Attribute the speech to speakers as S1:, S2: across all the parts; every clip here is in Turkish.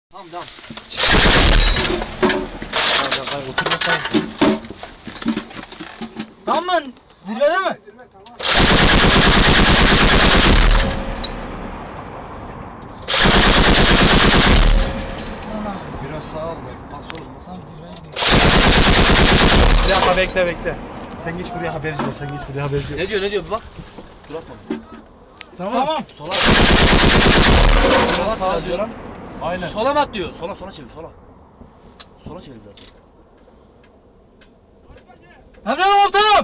S1: Tamam tamam.
S2: Otur bakalım.
S1: Tamam mı? Zirvede mi?
S3: Zirve tamam.
S1: Tamam.
S3: Biraz sağ ol.
S1: Tamam zirveye gidelim.
S2: Bir dakika bekle. Sen geç buraya haberci ol. Sen geç buraya haberci ol.
S1: Ne diyor bir bak. Dur atma.
S2: Tamam.
S1: Sola.
S2: Biraz sağa diyor lan. Aynen.
S1: Sola mı at diyor? Sola çevir sola. Sola çevir biraz. Emre komutanım.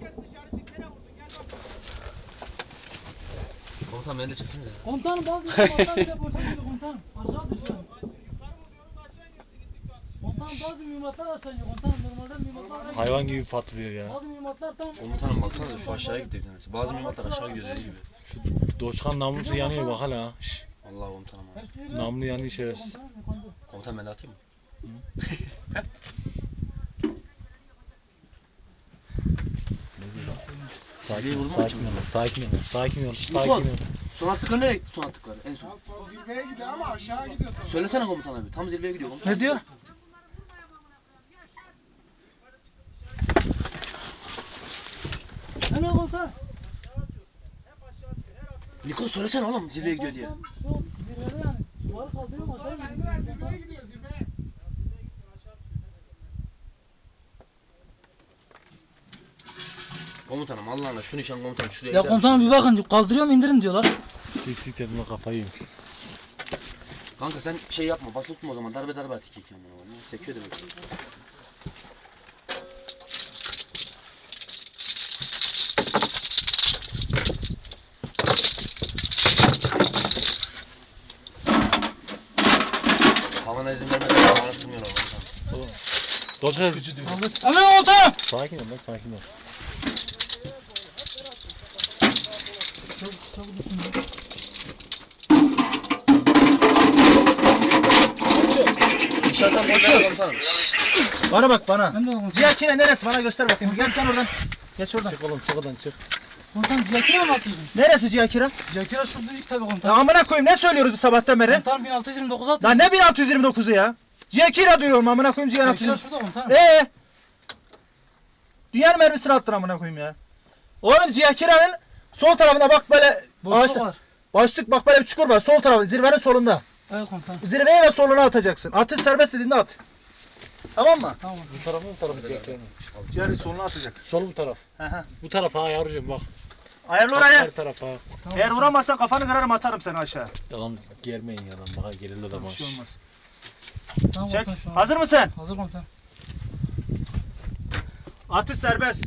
S1: Komutanım beni de çeksene ya.
S4: Komutanım bazı mühimmatlar bile boşa gidiyor komutanım. Aşağı düşüyor. Komutanım bazı mühimmatlar aşağı iniyor komutanım. Normalde mühimmatlar
S2: Hayvan gibi patlıyor ya.
S4: bazı mühimmatlar tam...
S1: Komutanım baksanıza şu aşağıya gitti bir tanesi. Bazı mühimmatlar aşağı gidiyor dediği gibi.
S2: Doçkan namlusu yanıyor bak hala. Şşş.
S1: Vallahi komutanım abi.
S4: Hepsi zirve.
S2: Namlu yanıyor şerefsiz.
S4: Komutanım yukarıda.
S1: Komutanım ben de atayım mı? Zirveyi vurma
S2: Sakin ol. Sakin ol.
S1: Nikon, son attıkları nereye gitti son attıkları en son?
S3: Zirveye gidiyor ama aşağı gidiyor.
S1: Söylesene komutan abi. Tam zirveye gidiyor komutan.
S2: Ne diyor?
S4: Hemen komutanım.
S1: Nikon söylesene oğlum zirveye gidiyor diye.
S4: Şu zirvede yani. Duvarı kaldırıyorum aşağı gidiyor.
S3: Zirveye gidiyor zirveye.
S1: Komutanım Allah'ına şu nişan komutan şuraya
S4: Ya
S1: gider
S4: komutanım
S1: misin?
S4: bir bakın kaldırıyorum indirin diyorlar.
S2: Sik tadına kafayı yemiş.
S1: Kanka sen şey yapma basılı tutma o zaman darbe at iki kendine. Sekiyor da böyle. Havana izin vermeden havana sığmıyorlar komutanım.
S2: Doçkan.
S4: Hemen komutanım.
S2: Sakin ol lan sakin ol.
S1: Dışarıdan bakıyor komutanım.
S2: Bana bak bana.
S4: Hemen komutanım.
S2: Ziyakine neresi bana göster bakayım. Gel sen oradan. Geç oradan. Çık oğlum çık oradan çık.
S4: Komutanım Ciyakir'e mi atıyorsun?
S2: Neresi Ziyakira?
S4: Ciyakir'e şurada ilk tabi
S2: Ya
S4: komutanım.
S2: amına koyayım ne söylüyoruz biz sabahtan beri?
S4: Komutanım 1629 atıyorsun.
S2: Lan ne 1629'u ya? Ziyakira diyorum amına koyayım
S4: Ciyakir'e
S2: 1629.
S4: şurada komutanım.
S2: Dünyanın mermisini attın amına koyayım ya. Oğlum Ziyakira'nın sol tarafına bak böyle
S4: Boşluk var.
S2: başlık bak böyle bir çukur var sol tarafı zirvenin solunda.
S4: Evet komutanım.
S2: Zirveye ve soluna atacaksın. Atış serbest dediğinde at. Tamam mı?
S4: Tamam.
S2: Bu tarafı bu tarafı Ziyakira'nın. Diğer soluna atacak. Sol bu taraf.
S3: Hı.
S2: Bu tarafa ha yavrucuğum bak.
S3: Ayarlı
S2: Bak,
S3: oraya.
S2: her tarafa.
S4: Tamam.
S3: Eğer vuramazsan kafanı kırarım atarım seni aşağı.
S2: Yalan germeyin yalan baka gelirler de
S3: Bir
S2: baş.
S3: şey olmaz.
S4: Tamam
S3: Çek.
S4: komutanım şu an.
S3: Hazır mısın?
S4: Hazır komutanım.
S3: Atış serbest.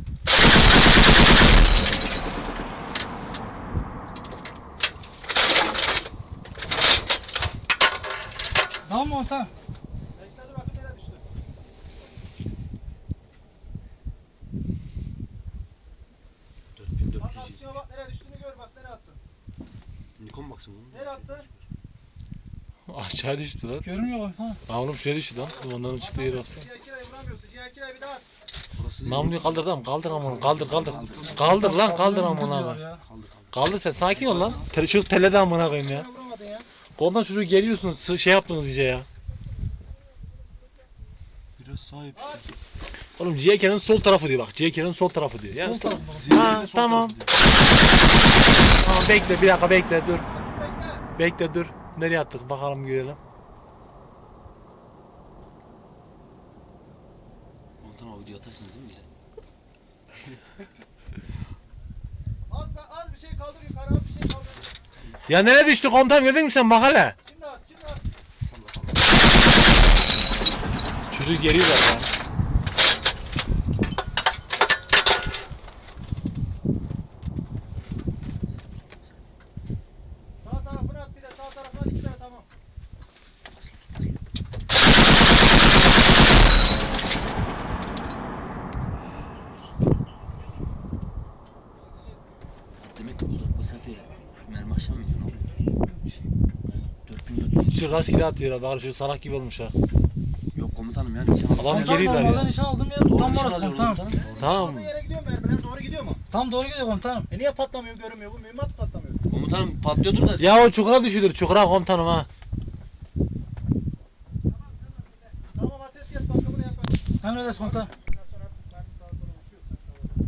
S4: Tamam mı komutanım?
S3: Bekle bakın nereye düştü. Bak
S1: 4400.
S3: atışına bak nereye düştüğünü gör bak nereye attın.
S1: Nikon baksın oğlum.
S3: Nereye attı?
S2: Aşağı düştü lan.
S4: Görünmüyor komutanım.
S2: Ha oğlum şuraya düştü lan. Onların çıktığı yere baksana.
S3: Cihakira'yı vuramıyorsun. Cihakira'yı bir daha at.
S1: Burası değil.
S2: Namluyu kaldır tamam kaldır amına kaldır. Kaldır lan kaldır amına
S4: Diyorlar
S2: abi.
S4: ya.
S2: Kaldır sen sakin ol lan. Şu telede amına koyayım ya.
S3: Bana vuramadın ya.
S2: Koldan çocuğu geliyorsun şey yaptınız iyice ya.
S1: Biraz sahip.
S2: Oğlum Ciğerke'nin sol tarafı diyor bak. Ciğerke'nin sol tarafı diyor. Yani
S4: Sol
S2: sol.
S4: tarafı.
S2: Ha tamam. Tamam bekle bir dakika bekle dur. Bekle dur. Nereye attık bakalım görelim.
S1: Komutanım o videoyu atarsınız değil mi bize?
S3: Az bir şey kaldır yukarı az bir şey kaldır.
S2: Ya nereye düştü komutanım gördün mü sen bak hele.
S3: Şimdi at şimdi at.
S1: Salla salla.
S2: Çocuğu geliyorlar ya.
S3: Sağ tarafına at bir de sağ tarafına at 2 tane tamam.
S1: Demek ki uzak mesafeye mermi aşağı mı iniyor? Ne oluyor? 4400.
S2: Şu rastgele atıyor bak şu salak gibi olmuş ha.
S1: Yok komutanım ya nişan aldım.
S2: Adam
S4: Komutanım
S2: geriler
S4: normalde
S2: ya.
S4: nişan aldığım yer
S1: Doğru
S4: tam
S1: nişan
S4: orası
S1: alıyoruz
S4: komutanım.
S1: komutanım.
S2: Tamam.
S3: Düştüğü yere gidiyor mu mermiler doğru gidiyor mu?
S4: Tam doğru gidiyor komutanım.
S3: Niye patlamıyor görünmüyor bu mühimmat patlamıyor.
S1: Komutanım patlıyordur da.
S2: Ya o çukura düşülür çukura komutanım ha.
S4: Emredersin komutanım.